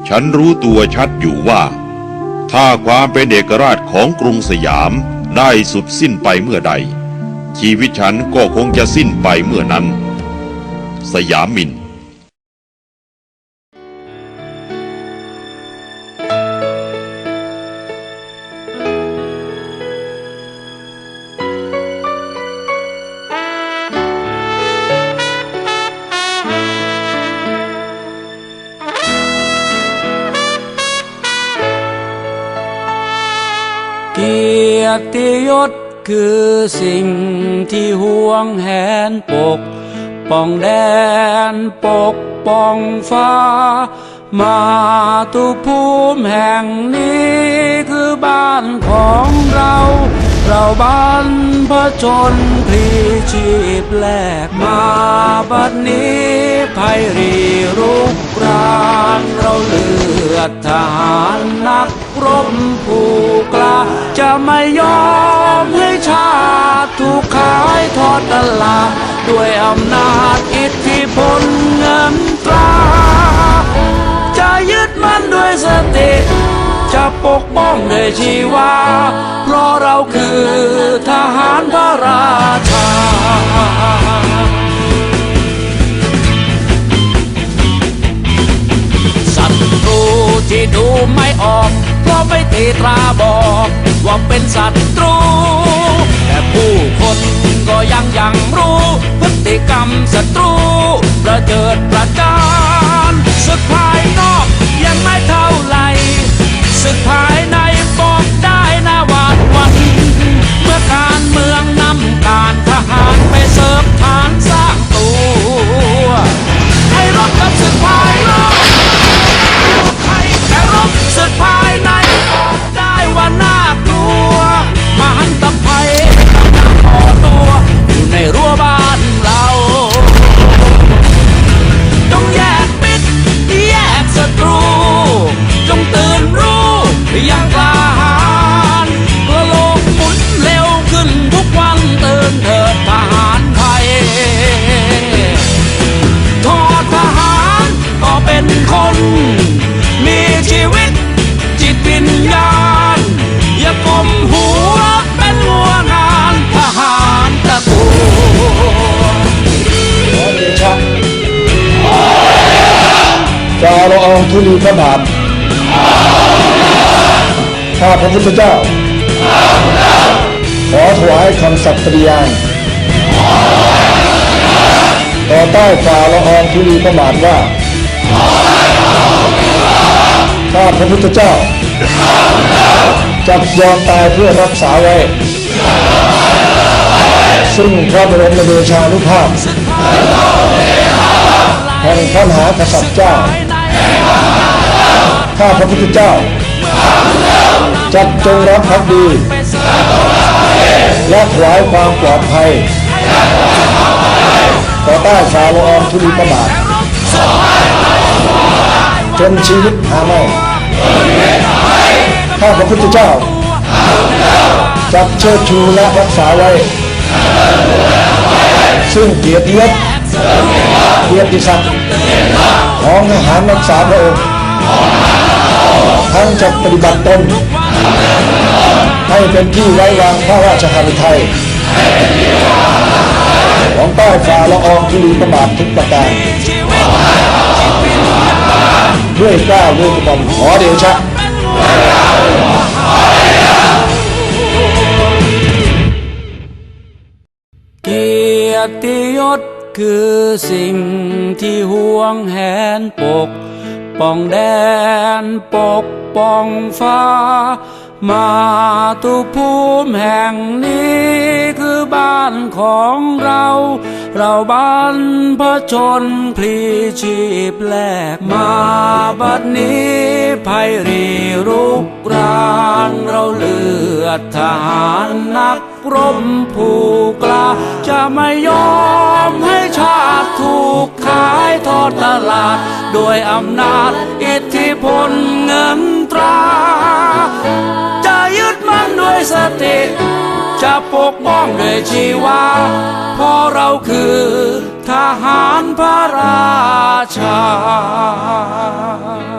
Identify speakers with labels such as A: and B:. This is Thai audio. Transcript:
A: ฉันรู้ตัวชัดอยู่ว่าถ้าความเป็นเอกราชของกรุงสยามได้สุดสิ้นไปเมื่อใดชีวิตฉันก็คงจะสิ้นไปเมื่อนั้นสยามิน
B: เกียรติยศคือสิ่งที่ห่วงแหนปกป้องแดนปกป้องฟ้ามาตุภูมิแห่งนี้คือบ้านของเราบ้านผจญพลีชีพแลกมาบัดนี้ภัยรีรุกรานเราเลือดทหารนักรบผู้กล้าจะไม่ยอมให้ชาติถูกขายทอดตลาดด้วยอำนาจอิทธิพลเงินตราจะยึดมั่นด้วยสติจะปกป้องด้วยชีวาเพราะเราคือทหารพระราชาศัตรูที่ดูไม่ออกเพราะไม่ตีตราบอกว่าเป็นศัตรูแต่ผู้คนก็ยังรู้พฤติกรรมศัตรูประเจิดประจานศึกภายนอกยังไม่เท่าไหร่ศึกภายในบอกได้นะหวาดหวั่นเมื่อการเมืองนำการทหารไปเสริมฐานสร้างตัวให้รบกับศึกภายนอกแต่รบศึกภายในบอกได้ว่าน่ากลัวมหันตภัยกำลังก่อตัวอยู่ในรั้วบ้านเราจงแยกมิตรแยกศัตรูจงตื่นรู้อย่างกล้าหาญเพื่อโลกหมุนเร็วขึ้นทุกวันตื่นเถิดทหารไทยทอดทหารก็เป็นคนมีชีวิตจิตวิญญาณอย่าก้มหัวเป็นหัวงานทหารตะกู
C: ขอเดชะจาละอองธุลีพระบาทข้าพระพุทธเจ้าขอถวายคำสัตย์ปฏิญาณต่อใต้ฝ่าละอองธุลีพระบาทว่าข้าพระพุทธเจ้าจะยอมตายเพื่อรักษาไว้ซึ่งพระบรมเดชานุภาพแห่งพระมหากษัตริย์เจ้าข้าพระพุทธเจ้าจักจงรักภักดีและถวายความปลอดภัยต่อใต้ฝ่าละอองธุลีพระบาทจนชีวิตหาไม่ข้าพระพุทธเจ้าจักเชิดชูและรักษาไว้ซึ่งเกียรติยศเกียรติศักดิ์ของทหารรักษาพระองค์ทั้งจะปฏิบัติตนให้เป็นที่ไว้วางพระราชหฤทัยของใต้ฝ่าละอองธุลีพระบาททุกประการด้วยเกล้าด้วยกระหม่อมขอเดชะ
B: เกียรติยศคือสิ่งที่ห่วงแหนปกป้องแดนปกป้องฟ้ามาตุภูมิแห่งนี้คือบ้านของเราบ้านผจญพลีชีพแลกมาบัดนี้ภัยรีรุกรานเราเลือดทหารนักรบผู้กล้าจะไม่ยอมให้ชาติถูกขายทอดตลาดด้วยอำนาจอิทธิพลเงินตราจะยึดมั่นด้วยสติจะปกป้องด้วยชีวาเพราะเราคือทหารพระราชา